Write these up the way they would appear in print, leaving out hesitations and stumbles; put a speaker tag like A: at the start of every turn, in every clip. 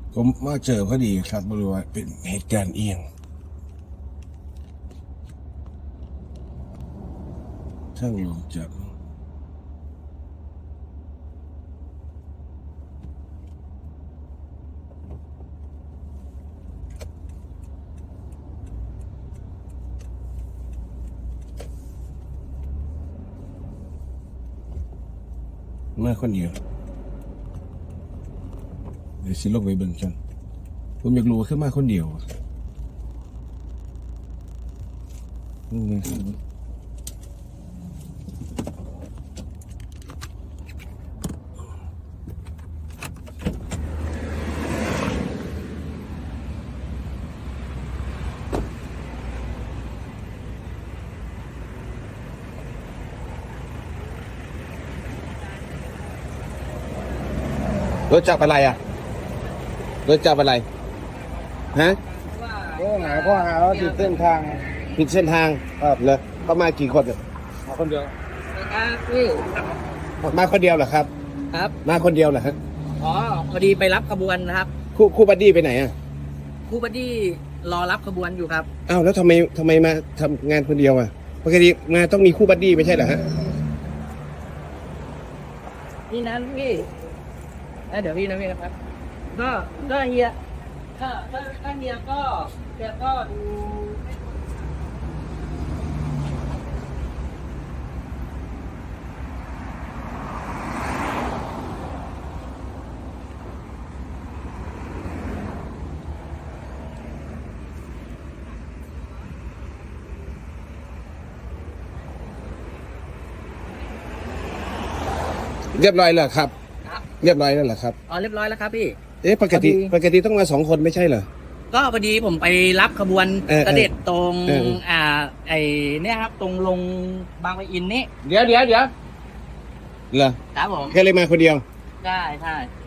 A: ผมมาเจอพอดีครับไม่รู้ว่าเป็นเหตุการณ์เอียงช่างลงจากมาคนเดียวเดี๋ยวสิลงไปเบิ่งกันผมอยากรู้ว่าขึ้นมาคนเดียวนี่ไงรถจับอะไรอ่ะรถจับอะไรฮะ
B: ข้อหาว่าผิดเส้นทาง
A: ผิดเส้นทางเลยเขามากี่คนอะ
B: มาคนเดียว
A: มาคนเดียวเหรอครับ
C: ครับ
A: มาคนเดียวเหรอฮะ
C: อ๋อ พอดีไปรับขบวนนะครับ
A: คู่บัดดี้ไปไหนอ่ะ
C: ครูบัดดี้รอรับขบวนอยู่ครับ
A: อ้าวแล้วทำไมมาทำงานคนเดียวอ่ะปกติมาต้องมีคู่บัดดี้ไม่ใช่เหรอฮะ
C: นี่นะพี่เดี๋ยวพี่นะพี่ครับ ก็เฮียถ้าเฮียก็ดู
A: เรียบร้อยแล้วครับ
C: ครับ
A: เรียบร้อยแล้วเหรอครับ
C: อ๋อเรียบร้อยแล้วครับพี่
A: เอ๊ะปกติ
C: พอดี
A: ต้องมา2 คนไม่ใช่เหรอ
C: ก็พอดีผมไปรับขบวน
A: เส
C: เสด็จตรง
A: เออ
C: ไอเนี่ยครับ ตรงลงบางปะอินนี่
A: เดี๋ยวเหรอ
C: ครับผม
A: แค่เลยมาคนเดียว
C: ใช่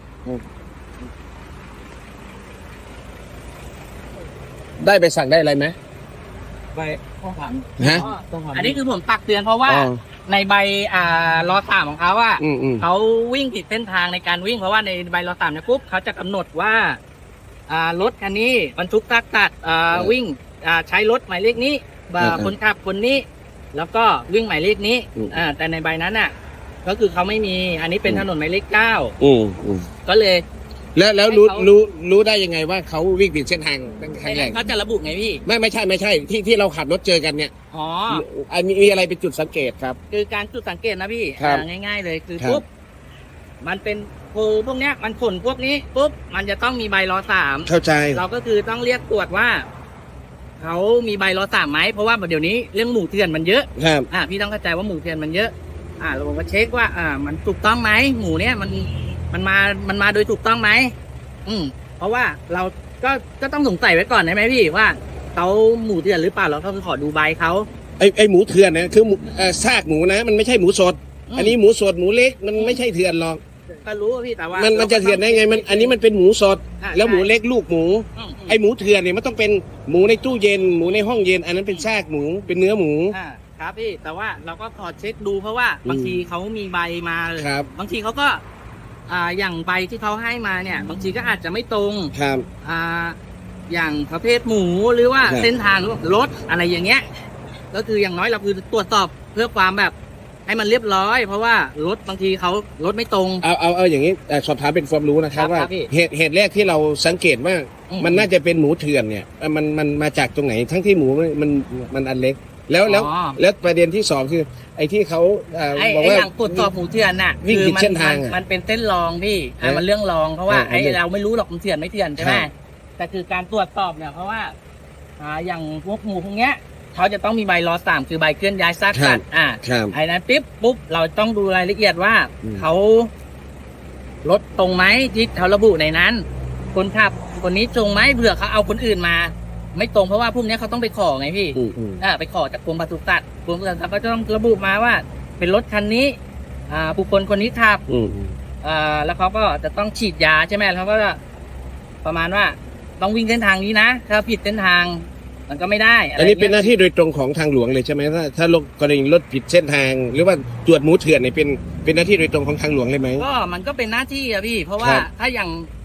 A: ได้ไปสั่งได้อะไรไหม
C: ไปต้องผ่าน
A: ฮะ
C: อันนี้คือผมตักเตือนเพราะว่า
A: อ๋อ
C: ในใบรอสามของเขาว่า
A: อืม
C: เขาวิ่งผิดเส้นทางในการวิ่งเพราะว่าในใบรอสามเนี่ยปุ๊บเขาจะกำหนดว่ารถคันนี้บรรทุกตักวิ่งใช้รถหมายเลขนี้คนขับคนนี้ แล้วก็วิ่งหมายเลขนี้แต่ในใบนั้นน่ะ ก็คือเขาไม่มีอันนี้เป็นถนนหมายเลข
A: อืม
C: 9ก็เลย
A: แล้วรู้ได้ยังไงว่าเขาวิ่งผิดเส้นทางตั้งครั้งแรก
C: เขาจะระบุไงพี่
A: ไม่ใช่ที่เราขับรถเจอกันเนี่ย
C: อ๋อ
A: มีอะไรเป็นจุดสังเกตครับ
C: คือการจุดสังเกตนะพี่
A: ครับ
C: ง่ายๆเลยคือ
A: ครับ
C: ปุ๊บมันเป็นพวกเนี้ยมันขนพวกนี้ปุ๊บมันจะต้องมีใบรอสาม
A: เข้าใจ
C: เราก็คือต้องเรียกตรวจว่าเขามีใบรอสามไหมเพราะว่าเดี๋ยวนี้เรื่องหมูเถื่อนมันเยอะ
A: ครับ
C: พี่ต้องเข้าใจว่าหมูเถื่อนมันเยอะเราก็เช็คว่ามันถูกต้องไหมหมูเนี้ยมันมาโดยถูกต้องไหมเพราะว่าเราก็ต้องสงสัยไว้ก่อนได้ไหมพี่ว่าเขาหมูเถื่อนหรือเปล่าเราก็คือขอดูใบเขา
A: ไอหมูเถื่อนนะคือซากหมูนะ มันไม่ใช่หมูสด อันนี้หมูสดหมูเล็กมันไม่ใช่เถื่อนหรอก
C: ก็รู้ว่าพี่แต่ว่า
A: มันจะเถื่อนได้ไงอันนี้มันเป็นหมูสด แล้วหมูเล็กลูกหมู
C: อืม
A: ไอหมูเถื่อนเนี่ยมันต้องเป็นหมูในตู้เย็นหมูในห้องเย็น อันนั้นเป็นซากหมูเป็นเนื้อหมู
C: ครับพี่แต่ว่าเราก็ขอเช็คดูเพราะว่าบางทีเขามีใบมาเลย
A: ครับ
C: บางทีเขาก็อย่างใบที่เขาให้มาเนี่ย บางทีก็อาจจะไม่ตรง
A: ครับ
C: อย่างประเภทหมูหรือว่า
A: ครับ
C: เส้นทางรถอะไรอย่างเงี้ย ก็คืออย่างน้อยเราคือตรวจสอบเพื่อความแบบให้มันเรียบร้อย เพราะว่ารถบางทีเขารถไม่ตรง
A: เอาอย่างนี้สอบถามเป็นความรู้นะครับ
C: ครับ
A: ว่า
C: ครับพี่
A: เหตุแรกที่เราสังเกตว่า มันน่าจะเป็นหมูเถื่อนเนี่ยมันมาจากตรงไหนทั้งที่หมูมันอันเล็กแล้วประเด็นที่2คือไอ้ที่เขา
C: ไอ้
A: บอกว่า
C: อย่างตรวจสอบหมูเถื่อนน่ะ
A: วิ่งผิดเส้นทาง
C: มันเป็นเส้นรองพี่มันเรื่องรองเพราะว่า
A: อั
C: ไอ้
A: นนี้
C: เราไม่รู้หรอกมันเถื่อนไม่เถื่อนใช่ไหม
A: ครับ
C: แต่คือการตรวจสอบเนี่ยเพราะว่าอย่างพวกหมูพวกเนี้ยเขาจะต้องมีใบรอสามคือใบเคลื่อนย้ายซากสัตว์
A: ครับ
C: ไอ้นั้นปุ๊บเราต้องดูรายละเอียดว่า
A: อืม
C: เขารถตรงไหมที่เขาระบุในนั้น คนขับคนนี้ตรงไหมเผื่อเขาเอาคนอื่นมา ไม่ตรงเพราะว่าพวกเนี้ยเขาต้องไปขอไงพี่ ไปขอจากกรมปศุสัตว์กรมปศุสัตว์ก็จะต้องระบุมาว่า เป็นรถคันนี้บุคคลคนนี้ขับ แล้วเขาก็จะต้องฉีดยาใช่ไหมเขาก็จะประมาณว่าต้องวิ่งเส้นทางนี้นะถ้าผิดเส้นทางมันก็ไม่ได้ะไร
A: อันนี้เป็นห
C: งี้ย
A: น้าที่โดยตรงของทางหลวงเลยใช่ไหมถ้ากรณีรถผิดเส้นทาง หรือว่าตรวจหมูเถื่อนเนี่ยเป็นหน้าที่โดยตรงของทางหลวงเลยไหม
C: ก็มันก็เป็นหน้าที่อะพี่ เพราะว่า
A: ครับ
C: ถ้าอย่างค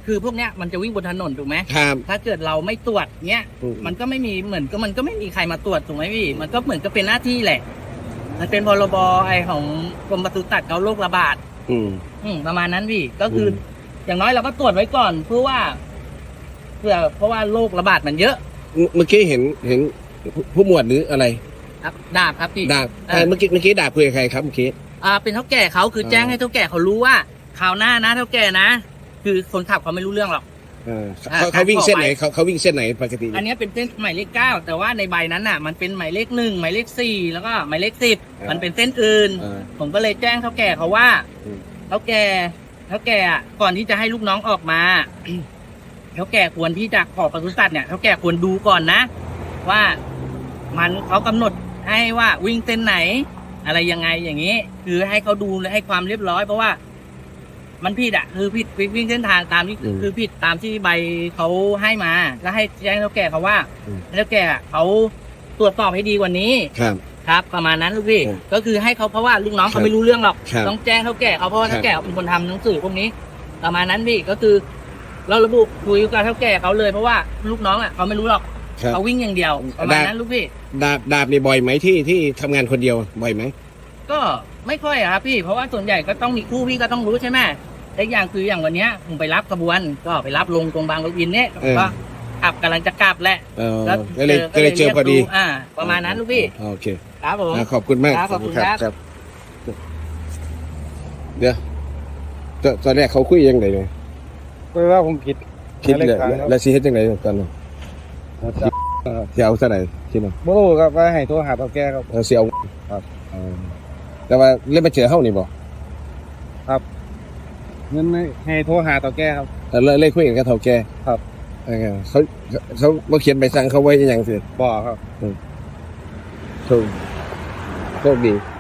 C: คือพวกเนี้ยมันจะวิ่งบนถนนถูกไหม
A: ครับ
C: ถ้าเกิดเราไม่ตรวจเนี้ย
A: อืม
C: มันก็ไม่มีเหมือนก็มันก็ไม่มีใครมาตรวจถูกไหมพี่ มันก็เหมือนก็เป็นหน้าที่แหละ มันเป็นพรบไอของกรมปศุสัตว์เขาโรคระบาด ประมาณนั้นพี่ก็คือออย่างน้อยเราก็ตรวจไว้ก่อนเพราะว่าโรคระบาดมันเยอะ
A: เมื่อกี้เห็นผู้หมวดหรืออะไร
C: ครับดาบครับพี่
A: ดาบเมื่อกี้ดาบคุยกับใครครับเมื่อกี้
C: เป็นเท่าแก่เขาคือแจ้งให้เท่าแก่เขารู้ว่าคราวหน้านะเท่าแก่นะ คือคนขับเขาไม่รู้เรื่องหรอก
A: เขาวิ่งเส้นไหนเขาวิ่งเส้นไหนปกติ
C: อันนี้เป็นเส้นหมายเลข 9แต่ว่าในใบนั้นน่ะมันเป็นหมายเลข 1หมายเลข 4แล้วก็หมายเลข 10มันเป็นเส้นอื่น ผมก็เลยแจ้งเท่าแก่เขาว่าเท่าแก่อะก่อนที่จะให้ลูกน้องออกมา เท่าแก่ควรที่จะขอปศุสัตว์เนี่ยเท่าแก่ควรดูก่อนนะ ว่ามันเขากำหนดให้ว่าวิ่งเส้นไหน อะไรยังไงอย่างนี้ คือให้เขาดูและให้ความเรียบร้อยเพราะว่า มันผิดอ่ะคือผิดวิ่งเส้นทางตามที่คือผิดตามที่ใบเขาให้มาแล้วให้แจ้งเท่าแก่เขาว่าเท่าแก่เขาตรวจสอบให้ดีกว่านี้ ครับประมาณนั้นลูกพี่ก็คือให้เขาเพราะว่าลูกน้องเขาไม่รู้เรื่องหรอกต้องแจ้งเท่าแก่เขาเพราะว่าเท่าแก่เป็นคนทำหนังสือพวกนี้ ประมาณนั้นพี่ก็คือ เราระบุคุยกับเท่าแก่เขาเลยเพราะว่าลูกน้องอ่ะเขาไม่รู้หรอกเขาวิ่งอย่างเดียวประมาณนั้นลูกพี่
A: ดาบนี่บ่อยไหมที่ทำงานคนเดียวบ่อยไหม
C: ก็ไม่ค่อยอะครับพี่เพราะว่าส่วนใหญ่ก็ต้องมีคู่พี่ก็ต้องรู้ใช่ไหมแต่อย่างคืออย่างวันเนี้ยผมไปรับขบวนก็ไปรับลงตรงบางรถอินเนี่ยก็ขับกำลังจะกลับแหละ
A: ก็เลยเจอพอดี
C: ประมาณนั้นลูกพี่
A: โอเค
C: ครับผม
A: ขอบคุณมาก
C: ขอบคุณครับ
A: เดี๋ยวตอนแรกเขาคุยยังไงเลย
B: คุยว่าผมผิด
A: เลยแล้วซีเฮ็ดยังไงตอนนั้นเสียเอาเท่าไหร่คิดว่า
B: บ่รู้ครับว่าให้โทรหาเฒ่าแก่ครับ
A: เสียเอา
B: ครับ
A: แต่ว่าเล่นมาเจอเฮานี่บ่
B: ครับเงินให้โทรหาเฒ่าแก่ครับ
A: เล่นคุยกันกับเฒ่าแก่
B: ครับ
A: เขาบ่เขียนใบสั่งเขาไว้ยังสิ
B: บ่ครับ
A: โชคดี